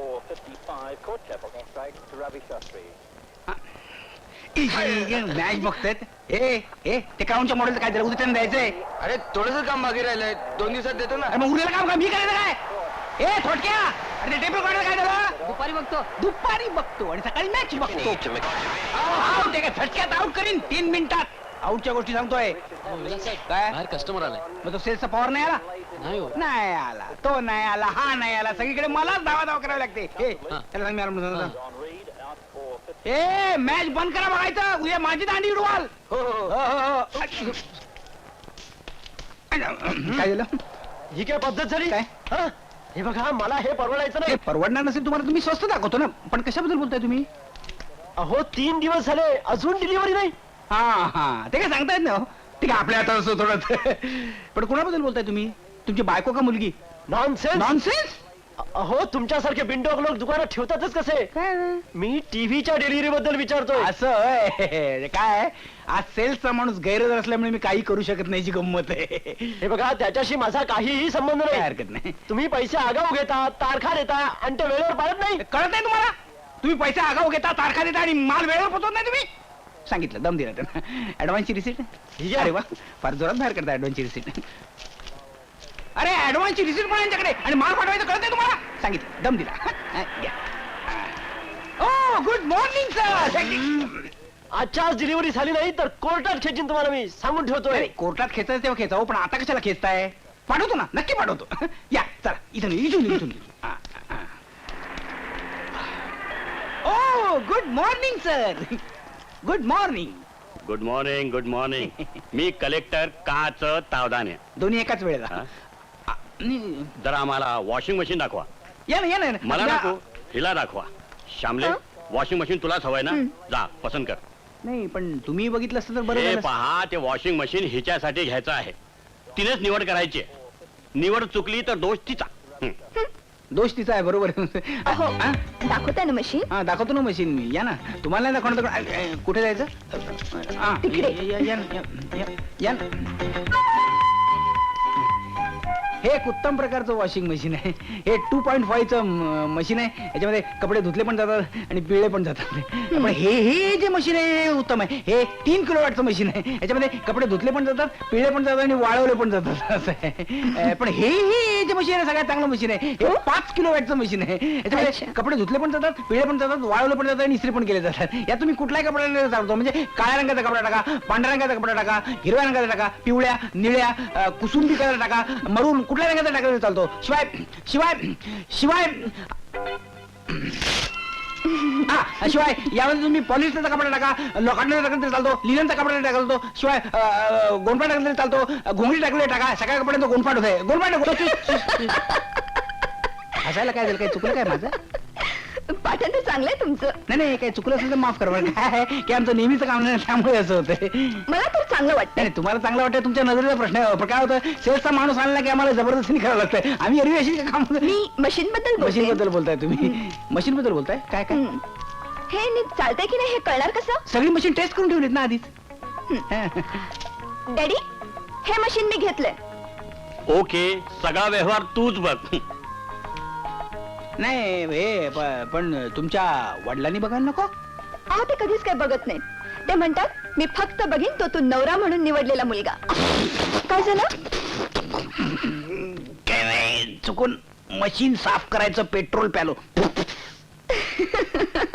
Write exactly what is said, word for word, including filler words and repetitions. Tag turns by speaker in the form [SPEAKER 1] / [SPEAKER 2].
[SPEAKER 1] Match बघतायत. ए ए ते काउंटच्या model काय त्याला उद्या द्यायचंय.
[SPEAKER 2] अरे थोडंसं काम बाकी राहिलंय, दोन दिवसात देतो ना.
[SPEAKER 1] अरे मग उद्याला काम का मी करायचं काय. ए थोडक्या अरे टेप रेकॉर्डर काय झालं.
[SPEAKER 3] दुपारी बघतो
[SPEAKER 1] दुपारी बघतो आणि सकाळी मॅच बघतो. आउट आहे का झटक्यात आउट करीन तीन मिनिटात. आउटच्या गोष्टी सांगतोय काय.
[SPEAKER 3] बाहेर कस्टमर आलाय.
[SPEAKER 1] मग तो सेल्सचा पॉवर नाही आला.
[SPEAKER 3] नाही हो.
[SPEAKER 1] नाही आला तो नाही आला हा नाही आला सगळीकडे मलाच धावा धावा करावी लागते. ए त्याला सांग मी आलो म्हणून. ए मॅच बंद करा बघायचं उद्या माझी दांडी उडवाल.
[SPEAKER 2] हो हो
[SPEAKER 1] हो, हो, हो. काय झालं.
[SPEAKER 2] ही काय पद्धत झाली
[SPEAKER 1] काय
[SPEAKER 2] हा? हे बघा मला हे परवडायचं
[SPEAKER 1] ते
[SPEAKER 2] नाही.
[SPEAKER 1] परवडणार नसेल तुम्हाला तुम्ही स्वस्त दाखवतो ना. पण कशाबद्दल बोलताय तुम्ही.
[SPEAKER 2] अहो तीन दिवस झाले अजून डिलिव्हरी नाही.
[SPEAKER 1] हा हा ते काय सांगता येत नाही. ठीक आहे आपल्या हातात असतो थोडं. पण कोणाबद्दल बोलताय तुम्ही. तुमची बायको का मुलगी.
[SPEAKER 2] नॉनसेन्स.
[SPEAKER 1] नॉनसेन्स.
[SPEAKER 2] अहो तुमच्यासारखे बिंडोक लोक दुकानात ठेवतातच कसे. मी टीव्हीच्या डिलिव्हरी बद्दल विचारतोय.
[SPEAKER 1] असं होय. काय आज सेल्सचा माणूस गैरहजर असल्यामुळे मी काही करू शकत नाही. जी गंमत आहे.
[SPEAKER 2] हे बघा त्याच्याशी माझा काहीही संबंध
[SPEAKER 1] काय
[SPEAKER 2] नाही.
[SPEAKER 1] हरकत नाही.
[SPEAKER 2] तुम्ही पैसे आगाऊ घेता, तारखा देता आणि ते वेळेवर पाळत नाही.
[SPEAKER 1] कळत नाही तुम्हाला. तुम्ही पैसे आगाऊ घेता, तारखा देता आणि माल वेळेवर पोहोचवत नाही तुम्ही. सांगितलं दम दिला त्यांना. ऍडव्हान्सची रिसिट. अरे वा फार जोरात बाहेर करता ऍडव्हान्सची रिसिट. अरे ऍडव्हान्सची रिसिट पण यांच्याकडे आणि माल पाठवायचं कळत नाही तुम्हाला. सांगितलं दम दिला. Oh good morning sir.
[SPEAKER 2] आजच्या आज डिलिव्हरी झाली नाही तर कोर्टात खेचीन तुम्हाला मी सांगून ठेवतोय.
[SPEAKER 1] कोर्टात खेचायचं तेव्हा खेचावं पण आता कशाला खेचताय. पाठवतो ना नक्की पाठवतो. या चला इथून इथून इथून. Oh good morning sir. Good morning.
[SPEAKER 4] Good morning good morning. मी कलेक्टर काच तावदाने.
[SPEAKER 1] दोन्ही एकाच वेळेला.
[SPEAKER 4] हा?
[SPEAKER 1] आ, नि-
[SPEAKER 4] जरा आम्हाला वॉशिंग मशीन दाखवा.
[SPEAKER 1] या ना या ना
[SPEAKER 4] मला
[SPEAKER 1] या-
[SPEAKER 4] नको हिला दाखवा. श्यामले वॉशिंग मशीन तुलाच हवंय ना. जा पसंत कर.
[SPEAKER 1] नाही पण तुम्ही बघितलं असतं तर बरं
[SPEAKER 4] हे
[SPEAKER 1] झालं.
[SPEAKER 4] पहा ते वॉशिंग मशीन हिच्यासाठी घ्यायचं आहे. तिनेच निवड करायची आहे. निवड चुकली तर दोष तिचा. हं.
[SPEAKER 1] दोष तिचा आहे बरोबर.
[SPEAKER 5] अहो
[SPEAKER 1] हा?
[SPEAKER 5] दाखवता ना मशीन.
[SPEAKER 1] हा दाखवतो ना मशीन मी. या ना तुम्हाला नाही दाखवणार तर अ, अ, कुठे जायचं. हा,
[SPEAKER 5] तिकडे.
[SPEAKER 1] या- या- या ना, या- या- या ना. हे एक उत्तम प्रकारचं वॉशिंग मशीन आहे. हे टू पॉईंट फाईव्हचं मशीन आहे. याच्यामध्ये कपडे धुतले पण जातात आणि पिळले पण जातात. पण हे हे जे मशीन आहे हे उत्तम आहे. हे तीन किलो वॅटचं मशीन आहे. याच्यामध्ये कपडे धुतले पण जातात पिळले पण जातात आणि वाळवले पण जातात असं आहे. अ, पण हे हे जे मशीन आहे सगळ्यात चांगलं मशीन आहे. हे पाच किलो वॅटचं मशीन आहे. याच्यामध्ये
[SPEAKER 5] अच्छा.
[SPEAKER 1] कपडे धुतले पण जातात पिळले पण जातात वाळवले पण जातात आणि इस्त्री पण केले जातात. यात तुम्ही कुठलाही कपडा चालतो म्हणजे काळ्या रंगाचा कपडा टाका, पांढऱ्या रंगाचा कपडा टाका, हिरव्या रंगाचा टाका, पिवळ्या निळ्या अ, कुसुंबी कलर टाका, मरून कुठल्या रंगाचा टाकला चालतो. शिवाय शिवाय शिवाय हा शिवाय यामध्ये तुम्ही पॉलिस्टरचा कपडा टाका, लोखंडाचा टाकला तरी चालतो, लिननचा कपडा टाकला चालतो. शिवाय गोंडपाट टाकला तरी चालतो, घोंगडी टाकले टाका. सगळ्या कपड्यांचा गोंडपाट होत आहे. गोंडपाट. हसायला काय झालं. काय चुकलं काय माझं.
[SPEAKER 5] पाठण तर चांगलंय तुमचं.
[SPEAKER 1] नाही नाही काही चुकलं असेल तर माफ करा. बरं काय आहे की आमचं नेहमीचं काम नाही त्यामुळे असं होतंय.
[SPEAKER 5] मला तर चांगलं वाटतं.
[SPEAKER 1] नाही तुम्हाला चांगलं वाटतं तुमच्या नजरेचा प्रश्न आहे. पण काय होतं सेल्सचा माणूस आणला की आम्हाला जबरदस्तीने करावं लागतंय. आम्ही एरवी अशी काम.
[SPEAKER 5] मी मशीन बद्दल बोलते.
[SPEAKER 1] मशीन बद्दल बोलताय तुम्ही. मशीन बद्दल बोलताय काय काय.
[SPEAKER 5] हं. हे नीट चालतंय की नाही हे कळणार कसं.
[SPEAKER 1] सगळी मशीन टेस्ट करून ठेवलीत ना आधीच.
[SPEAKER 5] डॅडी हे मशीन मी घेतलंय.
[SPEAKER 4] ओके सगळा व्यवहार तूच बघ.
[SPEAKER 1] नाही हे प- पण तुमच्या वडिलांनी बघायला नको.
[SPEAKER 5] अहो ते कधीच काय बघत नाहीत. ते म्हणतात मी फक्त बघीन तो तू नवरा म्हणून निवडलेला मुलगा. काय झालं.
[SPEAKER 1] काय नाही, चुकून मशीन साफ करायचं पेट्रोल प्यालो.